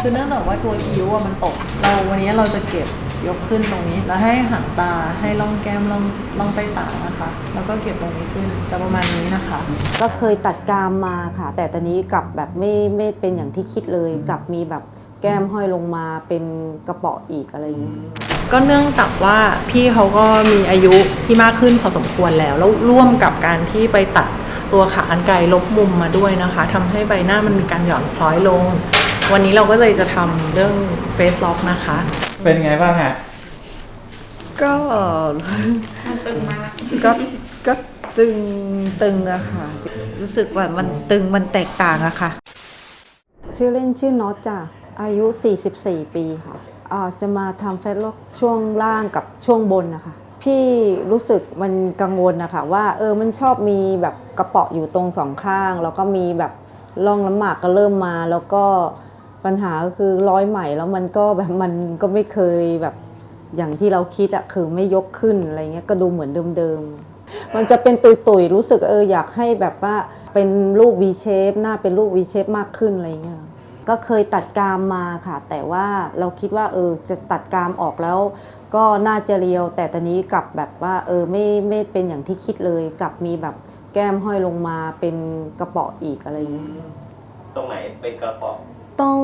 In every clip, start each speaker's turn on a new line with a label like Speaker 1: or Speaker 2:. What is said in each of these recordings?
Speaker 1: คือเนื่องจากว่าตัวคิ้วมันตกวันนี้เราจะเก็บยกขึ้นตรงนี้แล้วให้หางตาให้ร่องแก้มร่องใต้ตานะคะแล้วก็เก็บตรงนี้ขึ้นจะประมาณนี้นะคะ
Speaker 2: ก็เคยตัดกรามมาค่ะแต่ตอนนี้กลับแบบไม่เป็นอย่างที่คิดเลยกลับมีแบบแก้มห้อยลงมาเป็นกระเป๋ออีกอะไรอย่างนี้
Speaker 1: ก็เนื่องจากว่าพี่เขาก็มีอายุที่มากขึ้นพอสมควรแล้วร่วมกับการที่ไปตัดตัวขากรรไกรลบมุมมาด้วยนะคะทำให้ใบหน้ามันมีการหย่อนคล้อยลงวันนี้เราก็เลยจะทำเรื่องเฟซล็อกนะคะ
Speaker 3: เป็นไงบ้างฮะ
Speaker 2: ก็
Speaker 1: ตึงมาก
Speaker 2: ก็ตึงอะค่ะรู้สึกว่ามันตึงมันแตกต่างอะค่ะชื่อเล่นชื่อน็อตจ้ะอายุ44 ปีค่ะจะมาทำเฟซล็อกช่วงล่างกับช่วงบนนะคะพี่รู้สึกมันกังวลนะคะว่ามันชอบมีแบบกระเปาะอยู่ตรงสองข้างแล้วก็มีแบบร่องน้ำหมากก็เริ่มมาแล้วก็ปัญหาก็คือร้อยไหมแล้วมันก็แบบมันก็ไม่เคยแบบอย่างที่เราคิดอะคือไม่ยกขึ้นอะไรเงี้ยก็ดูเหมือนเดิมๆมันจะเป็นตุยๆรู้สึกอยากให้แบบว่าเป็นรูป V shape หน้าเป็นรูป V shape มากขึ้นอะไรเงี้ยก็เคยตัดกรามมาค่ะแต่ว่าเราคิดว่าจะตัดกรามออกแล้วก็น่าจะเรียวแต่ตอนนี้กลับแบบว่าไม่เป็นอย่างที่คิดเลยกลับมีแบบแก้มห้อยลงมาเป็นกระเป๋ออีกอะไรอย่างนี้
Speaker 3: ตรงไหนเป็นกระเป๋อ
Speaker 2: ตรง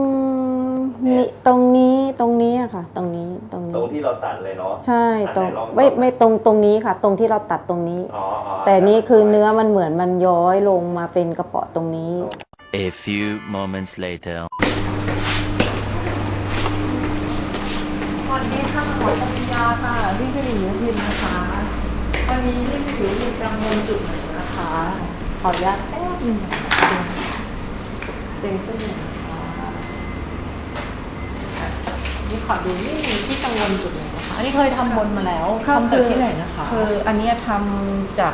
Speaker 2: นี้อะค่ะตรง
Speaker 3: ที่เราตัดเลยเนาะ
Speaker 2: ใช่ตรงไม่ตรงนี้ค่ะตรงที่เราตัดตรงนี้แต่นี้คือเนื้อมันเหมือนมันย้อยลงมาเป็นกระเป๋อตรงนี้
Speaker 4: A few moments later
Speaker 1: วันนี้ค่ะหมอปริญญาค่ะพี่สิริยุพินนะคะวันนี้พี่สิริยุพินกังวลจุดไหนนะคะขออนุญาตแป๊บนึงเต็มขึ้นเลยนี่ขอดูนี่ที่กังวลจุดไหนนะคะอันนี้เคยทำบนมาแล้วทำจากที่ไหนนะคะ
Speaker 2: คืออันนี้ทำจาก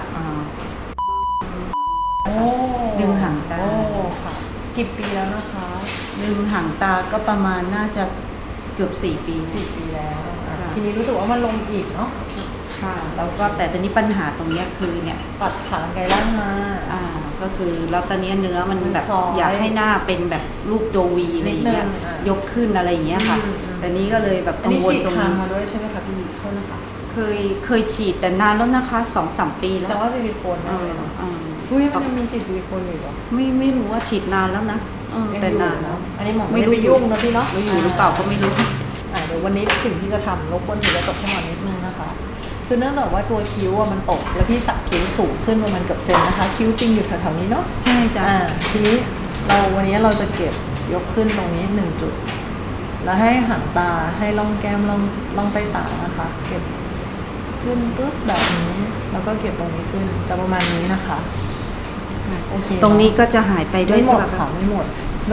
Speaker 2: ดึงหางตา
Speaker 1: ค่ะกี่ปีแล้วนะคะ
Speaker 2: ดึงหางตาก็ประมาณน่าจะเกือบ4 ปี
Speaker 1: แล้วทีนี้รู้สึกว่ามันลงอีกเนาะ
Speaker 2: ค่ะแล้วก็แต่ตอนนี้ปัญหาตรงนี้คือเนี่ย
Speaker 1: ตัดขากรรไกรล่างมา
Speaker 2: ก็คือแล้วตอนนี้เนื้อมันแบบอยากให้หน้าเป็นแบบรูปตัววีอะไรอย่างเงี้ยยกขึ้นอะไรอย่างเงี้ยค่ะแต่นี้ก็เลยแบบกังวลตรงนี้
Speaker 1: มาด้วยใช่ไหมคะพี่โทษนะคะ
Speaker 2: เคยฉีดแต่นานแล้วนะคะ 2-3 ปีแล้ว
Speaker 1: แต่ว่าซิลิโคนนั่นเลยเนาะมันยังมีฉีดซิลิโคนอยู่หรอ
Speaker 2: ไม่รู้ว่าฉีดนานแล้วนะแต่นานแล้ว
Speaker 1: อันนี้หมอไม่ได้ไปยุ่งนะพี่เนาะ
Speaker 2: อยู่หรือเปล่าก็ไม่รู้
Speaker 1: เดี๋ยววันนี้สิ่งที่จะทำรบกวนถือจะตกให้หมอนิดนึงนะคะคือเนื่องจากว่าตัวคิ้วมันตกแล้วพี่สักคิ้วสูงขึ้นประมาณเกือบเซนนะคะคิ้วจริงอยู่แถวๆนี้เนาะ
Speaker 2: ใช่จ้ะ
Speaker 1: ทีนี้วันนี้เราจะเก็บยกขึ้นตรงนี้1 จุดแล้วให้หางตาให้ร่องแก้มร่องใต้ตานะคะเก็บขึ้นปุ๊บแบบนี้แล้วก็เก็บตรงนี้ขึ้นจะประมาณนี้นะคะ
Speaker 2: โอเคตรงนี้ก็จะหายไปด้วยใช่ไหม
Speaker 1: คะไม่หมด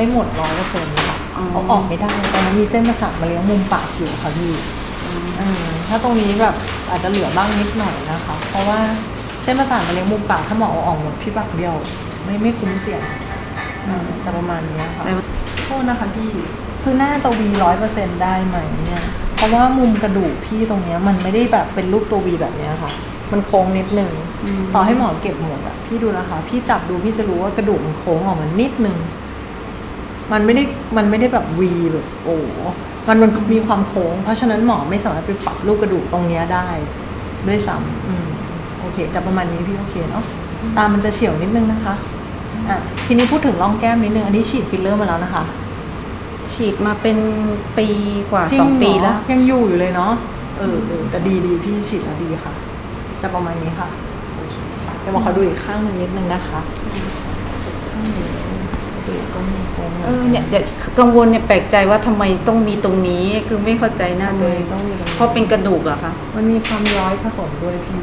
Speaker 1: 100%ค่ะเอาออกไม่ได้ตอนนั้นมีเส้นประสาทมาเลี้ยงมุมปากอยู่ค่ะพี่ถ้าตรงนี้แบบอาจจะเหลือบ้างนิดหน่อยนะคะเพราะว่าเส้นประสาทมาเลี้ยงมุมปากถ้าหมอเอาออกหมดพี่ปากเดียวไม่คุ้มเสี่ยงจะประมาณนี้ค่ะโทษนะคะพี่คือหน้าจะวี100%ได้ไหมเนี่ยเพราะว่ามุมกระดูกพี่ตรงนี้มันไม่ได้แบบเป็นรูปตัววีแบบนี้ค่ะมันโค้งนิดนึงต่อให้หมอเก็บหมดอ่ะพี่ดูนะคะพี่จับดูพี่จะรู้ว่ากระดูกมันโค้งออกมานิดนึงมันไม่ได้แบบวีแบบโอ้มันมีความโค้งเพราะฉะนั้นหมอไม่สามารถไปปรับรูปกระดูกตรงนี้ได้ด้วยซ้ำโอเคจะประมาณนี้พี่โอเคเนาะตามันจะเฉียวนิดนึงนะคะทีนี้พูดถึงร่องแก้มนิดนึงอันนี้ฉีดฟิลเลอร์มาแล้วนะคะ
Speaker 2: ฉีดมาเป็นปีกว่า2 ปีแล้ว
Speaker 1: ยังอยู่เลยเนาะแต่ดีพี่ฉีดแล้วดีค่ะจะประมาณนี้ค่ะโอเคจะมาขอดูอีกข้างนึงนิดนึงนะคะข้างนี้ก็มีโค้ง
Speaker 2: เนี่ยกังวลเนี่ยแปลกใจว่าทำไมต้องมีตรงนี้คือไม่เข้าใจหน้าตัวเองเพราะเป็นกระดูกอะค่ะ
Speaker 1: มันมีความย้อยผสมด้วยพี่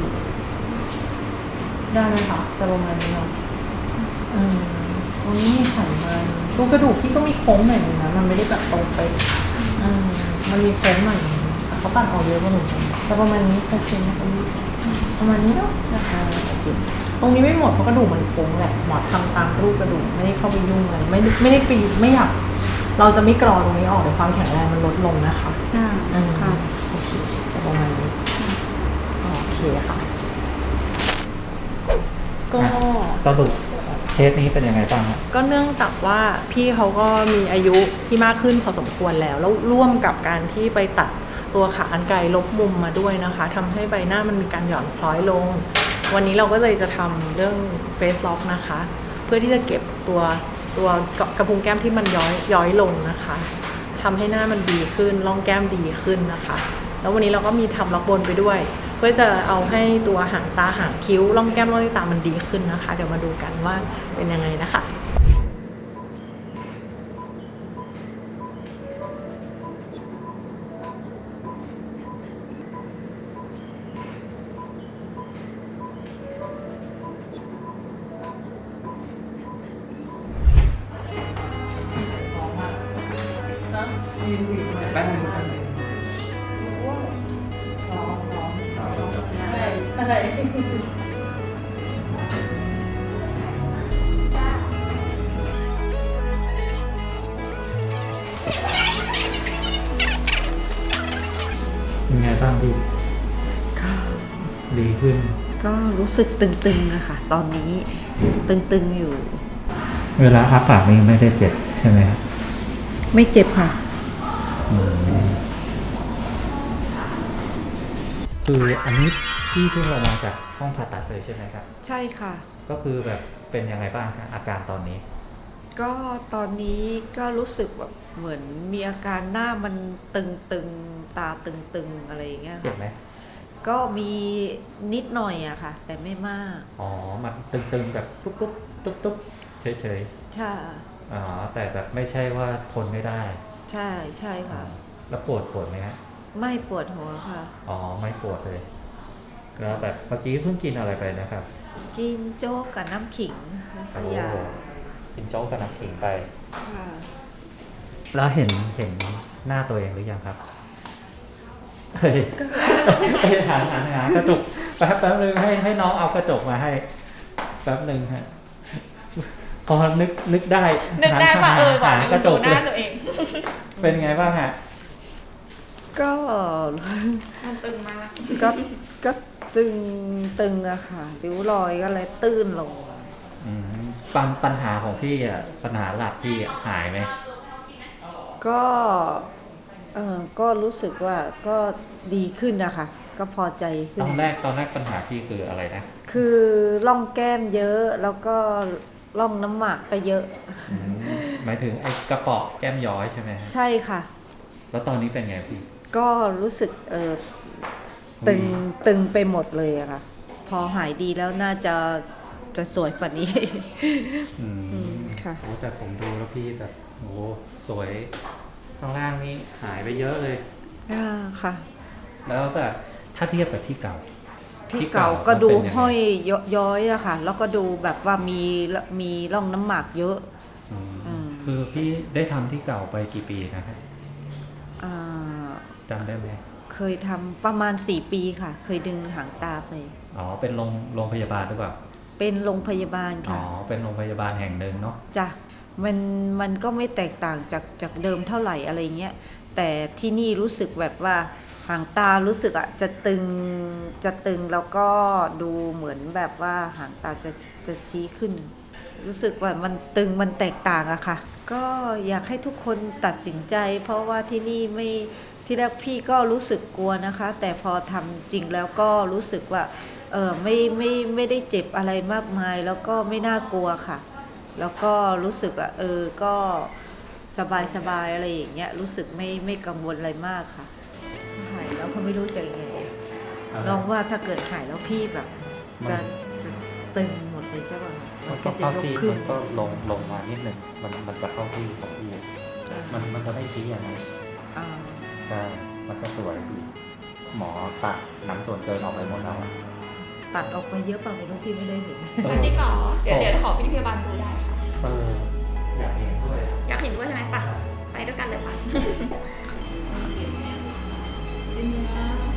Speaker 1: ได้ไหมคะจะประมาณนี้เนาะตรงนี้มีไขมันรูกระดูกพี่ก็มีโค้งหน่อยนึงนะมันไม่ได้แบบตรงไปมันมีโค้งหน่อยเขาตัดออกเยอะกว่าหนูแต่ประมาณนี้โอเคนะคะประมาณนี้เนาะนะคะโอเคตรงนี้ไม่หมดเพราะกระดูกมันโค้งแหละหมอทำตามรูปกระดูกไม่ได้เข้าไปยุ่งอะไรไม่ได้ไปไม่อยากเราจะไม่กรอตรงนี้ออกแต่ความแข็งแรงมันลดลงนะคะ
Speaker 2: ค่ะ
Speaker 1: โอเคจะประมาณนี้โอเคค่ะก็
Speaker 3: สรุป
Speaker 5: เคสนี้เป็นยังไงบ้างครับ
Speaker 1: ก็เนื่องจากว่าพี่เขาก็มีอายุที่มากขึ้นพอสมควรแล้วร่วมกับการที่ไปตัดตัวขากรรไกรลบมุมมาด้วยนะคะทำให้ใบหน้ามันมีการหย่อนคล้อยลง วันนี้เราก็เลยจะทำเรื่อง Face Lock นะคะ เพื่อที่จะเก็บตัวกระพุ้งแก้มที่มันย้อยลงนะคะทำให้หน้ามันดีขึ้นร่องแก้มดีขึ้นนะคะ แล้ววันนี้เราก็มีทำล็อกบนไปด้วย เพื่อจะเอาให้ตัวหางตาหางคิ้วร่องแก้มร่องตามันดีขึ้นนะคะ เดี๋ยวมาดูกันว่าเป็นยังไงนะคะ
Speaker 5: เป็นไงบ้างพี่
Speaker 2: ก็
Speaker 5: ดีขึ้น
Speaker 2: ก็รู้สึกตึงๆนะคะตอนนี้ตึงๆอยู่
Speaker 5: เวลาอ้าปากนี่ไม่ได้เจ็บใช่ไหมครับ
Speaker 2: ไม่เจ็บค่ะ
Speaker 5: คืออันนี้พี่เพิ่งลงมาจากห้องผ่าตัดเลยใช่ไหมครับ
Speaker 2: ใช่ค่ะ
Speaker 5: ก็คือแบบเป็นยังไงบ้างครับอาการตอนนี้
Speaker 2: ก็ตอนนี้ก็รู้สึกแบบเหมือนมีอาการหน้ามันตึงๆตาตึงๆอะไรอย่างเงี้ย
Speaker 5: เจ็บ
Speaker 2: ค่ะ
Speaker 5: ไหม
Speaker 2: ก็มีนิดหน่อยอะค่ะ แต่ไม่มาก
Speaker 5: อ๋อ มันตึงๆแบบตุ๊บๆตุ๊บๆเฉย
Speaker 2: ใช่
Speaker 5: ๆ อ๋อ แต่แบบไม่ใช่ว่าทนไม่ได้
Speaker 2: ใช่ใช่ค่ะ
Speaker 5: แล้วปวดไหมฮะ
Speaker 2: ไม่ปวดหัวค่ะ
Speaker 5: อ๋อ ไม่ปวดเลย แล้วแบบเมื่อกี้เพิ่งกินอะไรไปนะครับ
Speaker 2: กินโจ๊กกับน้ำขิงแล้วก็ยา
Speaker 5: กินโจ๊กกับน้ำขิงไป
Speaker 2: ค่ะ
Speaker 5: แล้วเห็นหน้าตัวเองหรือยังครับ เฮ้ยหันกระจกแป๊บนึงให้น้องเอากระจกมาให้แป๊บนึงฮะพอนึกได้
Speaker 6: ป่ะ
Speaker 5: ห
Speaker 6: ว่ะ
Speaker 5: กระจ
Speaker 6: ดู
Speaker 5: ก
Speaker 6: หน้าตัวเอง
Speaker 5: เป็นไงบ้างฮะ
Speaker 2: ก็
Speaker 6: มันตึงมาก
Speaker 2: ก็ตึงอะค่ะริ้วรอยก็เลยตื้นลง
Speaker 5: ปัญหาของพี่อ่ะปัญหาหลักพี่หายไหม
Speaker 2: ก็ก็รู้สึกว่าก็ดีขึ้นนะคะก็พอใจขึ้
Speaker 5: ต
Speaker 2: น
Speaker 5: อนแรกปัญหาพี่คืออะไรนะ
Speaker 2: คือร่องแก้มเยอะแล้วก็ร่องน้ำหมากก็เยอะ
Speaker 5: หมายถึงไอ้กระเปาะแก้มย้อยใช่ไหมฮะ
Speaker 2: ใช่ค่ะ
Speaker 5: แล้วตอนนี้เป็นไงพี่
Speaker 2: ก็รู้สึกตึงไปหมดเลยอะค่ะ พอหายดีแล้วน่าจะสวยฝันนี้ ค่ะ
Speaker 5: โอ้แต่ผมดูแล้วพี่แบบโอ้สวยข้างล่างนี่หายไปเยอะเลย
Speaker 2: ค่ะ
Speaker 5: แล้วแต่ถ้าเทียบกับที่เก่า
Speaker 2: ที่เก่าก็ดู
Speaker 5: มันเป็นยังไง
Speaker 2: ห้อยย้อยอะค่ะ แล้วก็ดูแบบว่ามีร่องน้ำหมากเยอะ
Speaker 5: คือพี่ได้ทำที่เก่าไปกี่ปีนะครับ
Speaker 2: อ่า
Speaker 5: จำได้ไหม
Speaker 2: เคยทำประมาณ4 ปีค่ะ เคยดึงหางตาไป
Speaker 5: อ๋อเป็นโรงพยาบาลหรือเปล่า
Speaker 2: เป็นโรงพยาบาล
Speaker 5: อ๋อ
Speaker 2: ค่ะ
Speaker 5: เป็นโรงพยาบาลแห่งหนึ่งเนาะ
Speaker 2: จ้ะมันก็ไม่แตกต่างจากเดิมเท่าไหร่อะไรเงี้ยแต่ที่นี่รู้สึกแบบว่าหางตารู้สึกอะจะตึงแล้วก็ดูเหมือนแบบว่าหางตาจะชี้ขึ้น รู้สึกว่ามันตึงมันแตกต่างอะค่ะ ก็อยากให้ทุกคนตัดสินใจ เพราะว่าที่นี่ไม่ที่แรกพี่ก็รู้สึกกลัวนะคะ แต่พอทำจริงแล้วก็รู้สึกว่าไม่ได้เจ็บอะไรมากมาย แล้วก็ไม่น่ากลัวค่ะ แล้วก็รู้สึกว่าก็สบายอะไรอย่างเงี้ยรู้สึกไม่กังวลอะไรมากค่ะหายแล้วเขาไม่รู้จะยังไงลองว่าถ้าเกิดหายแล้วพี่แบบจะตึงหมดเลยใช่ป่ะมันก็จะยกขึ้น
Speaker 5: มันก็ลงมานิดหนึ่งมันจะเข้าที่ของพี่มันจะไม่ชี้อย่างนั้น
Speaker 2: อ่า
Speaker 5: ใช่มันจะสวยดีหมอตัดหนังส่วนเกินออกไปหมดแล้ว
Speaker 2: ตัดออกไปเยอะป่ะคุณพี่ไม่ได้เห็น
Speaker 6: จริงเหรอเดี๋ยวขอพี่พยาบาลดูได้ค่ะ
Speaker 5: อยากเห็นด้วย
Speaker 6: อยากเห็นด้วยใช่ไหมปะไปด้วยกันเลยปะ
Speaker 7: จริงๆแล้ว